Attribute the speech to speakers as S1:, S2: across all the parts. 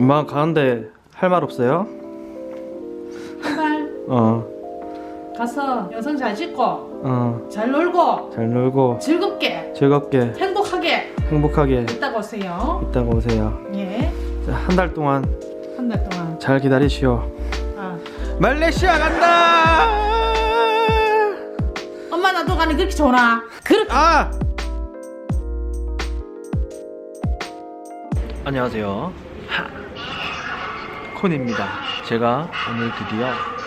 S1: 엄마 가는데 할 말 없어요?
S2: 제발 가서 영상 잘 찍고 잘 놀고
S1: 잘 놀고
S2: 즐겁게
S1: 즐겁게
S2: 행복하게
S1: 행복하게
S2: 이따가 오세요.
S1: 이따가 오세요.
S2: 예,
S1: 한 달 동안
S2: 한 달 동안.
S1: 잘 기다리시오.
S2: 아,
S1: 말레이시아 간다.
S2: 엄마 나도 가니 그렇게 좋나? 그렇게.
S1: 아! 안녕하세요. 콘입니다. 제가 오늘 드디어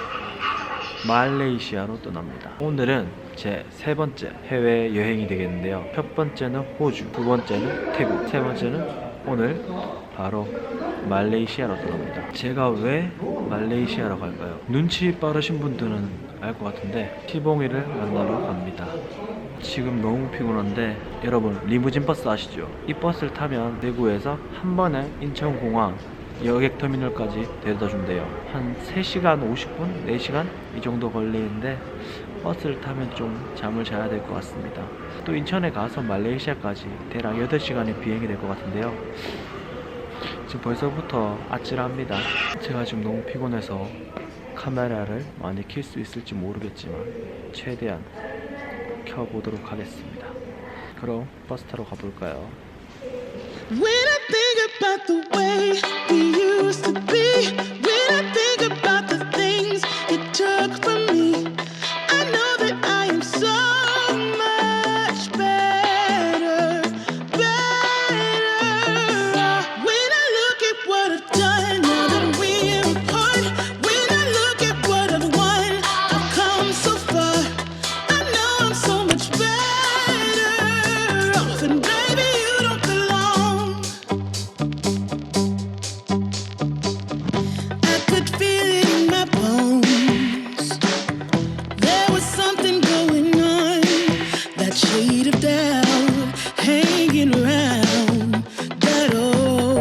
S1: 말레이시아로 떠납니다. 오늘은 제 세 번째 해외 여행이 되겠는데요. 첫 번째는 호주, 두 번째는 태국, 세 번째는 오늘 바로 말레이시아로 떠납니다. 제가 왜 말레이시아로 갈까요? 눈치 빠르신 분들은 알 것 같은데 시봉이를 만나러 갑니다. 지금 너무 피곤한데 여러분 리무진 버스 아시죠? 이 버스를 타면 대구에서 한 번에 인천공항 여객터미널까지 데려다 준대요. 한 3시간 50분? 4시간? 이 정도 걸리는데 버스를 타면 좀 잠을 자야 될 것 같습니다. 또 인천에 가서 말레이시아까지 대략 8시간의 비행이 될 것 같은데요. 지금 벌써부터 아찔합니다. 제가 지금 너무 피곤해서 카메라를 많이 켤 수 있을지 모르겠지만 최대한 켜보도록 하겠습니다. 그럼 버스 타러 가볼까요?
S3: When I think about the way we used to be, when I think about the things you took from me, I know that I am so much better, better. When I look at what I've done, now that we're apart, when I look at what I've won, I've come so far, I know I'm so much better. And baby, you don't belong. I could feel it in my bones. There was something going on, that shade of doubt hanging around that old.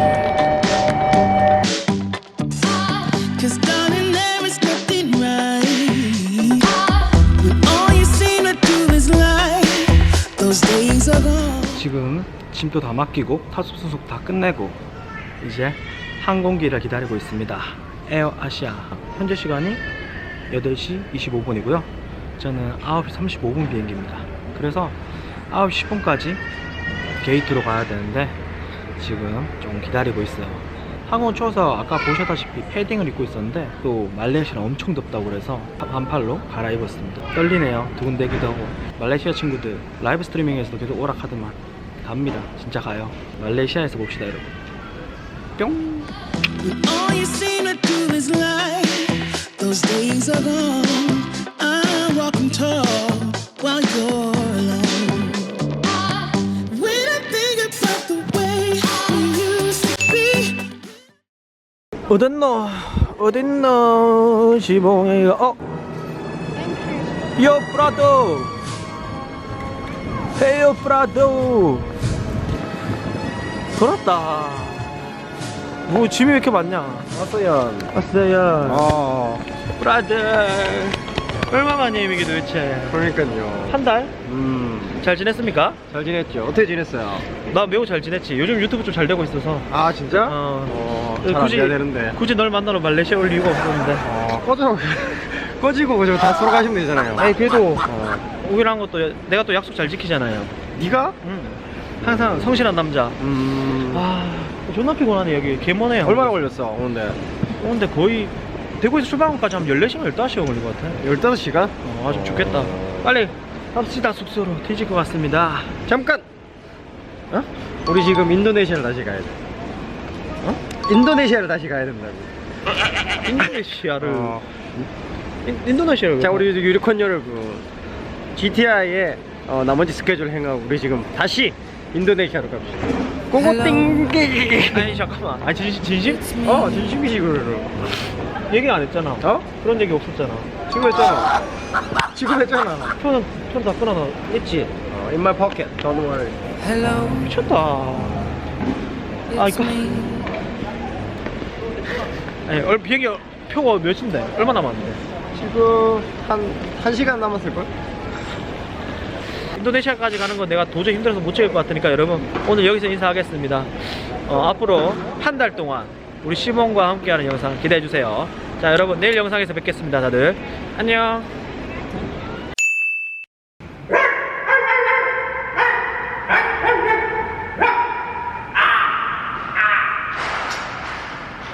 S3: 'Cause darling, there is nothing right when all you seem to do is lie. Those days are gone.
S1: 지금 짐도 다 맡기고 타수 수속 다 끝내고 이제 항공기를 기다리고 있습니다. 에어 아시아. 현재 시간이 8시 25분이고요 저는 9시 35분 비행기입니다. 그래서 9시 10분까지 게이트로 가야 되는데 지금 좀 기다리고 있어요. 항공 추워서 아까 보셨다시피 패딩을 입고 있었는데 또 말레이시아는 엄청 덥다고 그래서 반팔로 갈아입었습니다. 떨리네요. 두근대기도 하고. 말레이시아 친구들 라이브 스트리밍에서도 계속 오락하더만 갑니다. 진짜 가요. 말레이시아에서 봅시다 여러분. 뿅.
S3: When all you seem to do is lie, those days are gone. I'm walking tall while you're alone. When I think about the way we used to be.
S1: 어딨노? 어딨노? 시봉이가 Yo brother! Hey yo brother! 돌았다. 뭐 짐이 왜 이렇게 많냐?
S4: 왔어요.
S1: 왔어요. 브라더. 얼마 만이에요 이게 도대체?
S4: 그러니까요.
S1: 한 달? 잘 지냈습니까?
S4: 잘 지냈죠? 어떻게 지냈어요?
S1: 나 매우 잘 지냈지. 요즘 유튜브 좀 잘 되고 있어서.
S4: 아 진짜? 잘안 돼야 되는데.
S1: 굳이 널 만나러 말레이시아 올 이유가 없었는데.
S4: 꺼지고 그저 다 서로 가시면 되잖아요.
S1: 아니 그래도 오기로 한 것도 내가 또 약속 잘 지키잖아요.
S4: 네가?
S1: 항상 성실한 남자. 아 존나 피곤하네 여기. 개머네요.
S4: 얼마나 걸렸어 오는데?
S1: 오는데 거의 대구에서 출발까지 한 14시간 15시간 걸린 것 같아.
S4: 15시간?
S1: 아주 죽겠다. 빨리 갑시다. 숙소로 뒤질 것 같습니다.
S4: 잠깐! 어? 우리 지금 인도네시아를 다시 가야 돼. 어? 인도네시아를 다시 가야 된다고.
S1: 인도네시아를 인도네시아를
S4: 자 우리 유리콘 여러분, GTI의 나머지 스케줄 행하고 우리 지금 다시 인도네시아로 갑시다. 꼬꼬띵.
S1: 아니 잠깐만. 아니 진심?
S4: 진심이지 그거를.
S1: 얘기 안 했잖아.
S4: 어?
S1: 그런 얘기 없었잖아.
S4: 지금 했잖아. 지금 했잖아.
S1: 편 다 끊어놔 했지.
S4: In my pocket. Don't worry.
S1: 미쳤다. 아 이거 아니 비행기 표가 몇인데? 얼마 남았는데?
S4: 지금 한 1시간 남았을걸?
S1: 인도네시아까지 가는 건 내가 도저히 힘들어서 못 찍을 것 같으니까 여러분 오늘 여기서 인사하겠습니다. 앞으로 한 달 동안 우리 시몬과 함께하는 영상 기대해주세요. 자, 여러분 내일 영상에서 뵙겠습니다. 다들 안녕.